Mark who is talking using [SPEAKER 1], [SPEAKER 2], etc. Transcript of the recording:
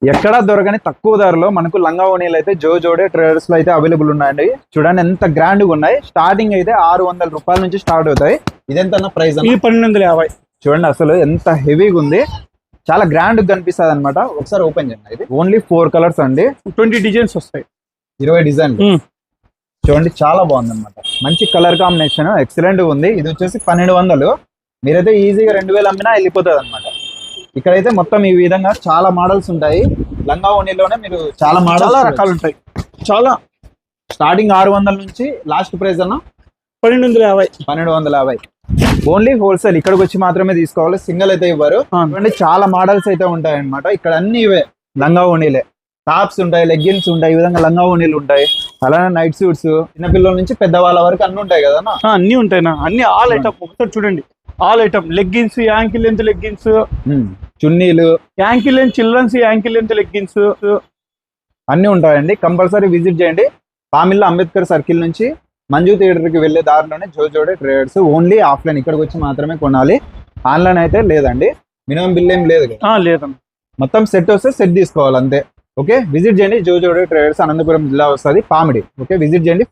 [SPEAKER 1] ఎక్కడా దొరకని తక్కువ ధరలో మనకు లంగా ఓణీలు అయితే జోడే ట్రేడర్స్ లో అయితే అవైలబుల్ ఉన్నాయండి. చూడండి ఎంత గ్రాండ్ గా ఉన్నాయి. స్టార్టింగ్ అయితే 600 రూపాయల నుంచి స్టార్ట్ అవుతాయి. ఇదెంత ప్రైస్?
[SPEAKER 2] 1250.
[SPEAKER 1] చూడండి అసలు ఎంత హెవీగా ఉంది, చాలా గ్రాండ్ గా కనిపిస్తుంది అనమాట. ఒకసారి ఓపెన్ చేయండి. ఇది ఓన్లీ 4 కలర్స్ అండి,
[SPEAKER 2] 20 డిజైన్స్ వస్తాయి,
[SPEAKER 1] 20 డిజైన్. చూడండి చాలా బాగుంది అనమాట, మంచి కలర్ కాంబినేషన్, ఎక్సలెంట్ గా ఉంది. ఇది వచ్చేసి 1200. మీరైతే ఈజీగా 2000 అమ్మినా వెళ్ళిపోతుంది అనమాట. ఇక్కడైతే మొత్తం ఈ విధంగా చాలా మోడల్స్ ఉంటాయి. లంగా ఓణీలోనే మీరు చాలా
[SPEAKER 2] రకాలు ఉంటాయి. చాలా
[SPEAKER 1] స్టార్టింగ్ 600 నుంచి లాస్ట్ ప్రైస్ అన్న
[SPEAKER 2] 1250.
[SPEAKER 1] Only wholesale. ఇక్కడికి వచ్చి మాత్రమే తీసుకోవాలి, సింగిల్ అయితే ఇవ్వరు. చాలా మోడల్స్ అయితే ఉంటాయి అనమాట. ఇక్కడ అన్ని ఇవే లంగా ఓణీలే. టాప్స్ ఉంటాయి, లెగ్గిన్స్ ఉంటాయి, ఈ విధంగా లంగా ఓణీలు ఉంటాయి. అలానే నైట్ సూట్స్, చిన్నపిల్లల నుంచి పెద్దవాళ్ళ వరకు అన్ని ఉంటాయి కదా.
[SPEAKER 2] అన్ని ఉంటాయి, అన్ని ఆల్ ఐటమ్. ఒకసారి చూడండి, all item. Leggings, ankle length leggings,
[SPEAKER 1] చున్నీలు,
[SPEAKER 2] ankle length childrens, ankle length leggings
[SPEAKER 1] అన్ని ఉంటాయండి. కంపల్సరీ విజిట్ చేయండి. పామిల్లా అంబేద్కర్ సర్కిల్ నుంచి మంజు థియేటర్ కి వెళ్లే దారిలోనే జోడే ట్రేడర్స్. ఓన్లీ ఆఫ్లైన్, ఇక్కడికి వచ్చి మాత్రమే కొనాలి. ఆన్లైన్ అయితే లేదండి. మినిమం బిల్ ఏం లేదు కదా?
[SPEAKER 2] లేదన్న,
[SPEAKER 1] మొత్తం సెట్ వస్తే సెట్ తీసుకోవాలి అంతే. ఓకే, విజిట్ చేయండి. జోడే ట్రేడర్స్, అనంతపురం జిల్లా వస్తుంది, పామిడి. ఓకే, విజిట్ చేయండి.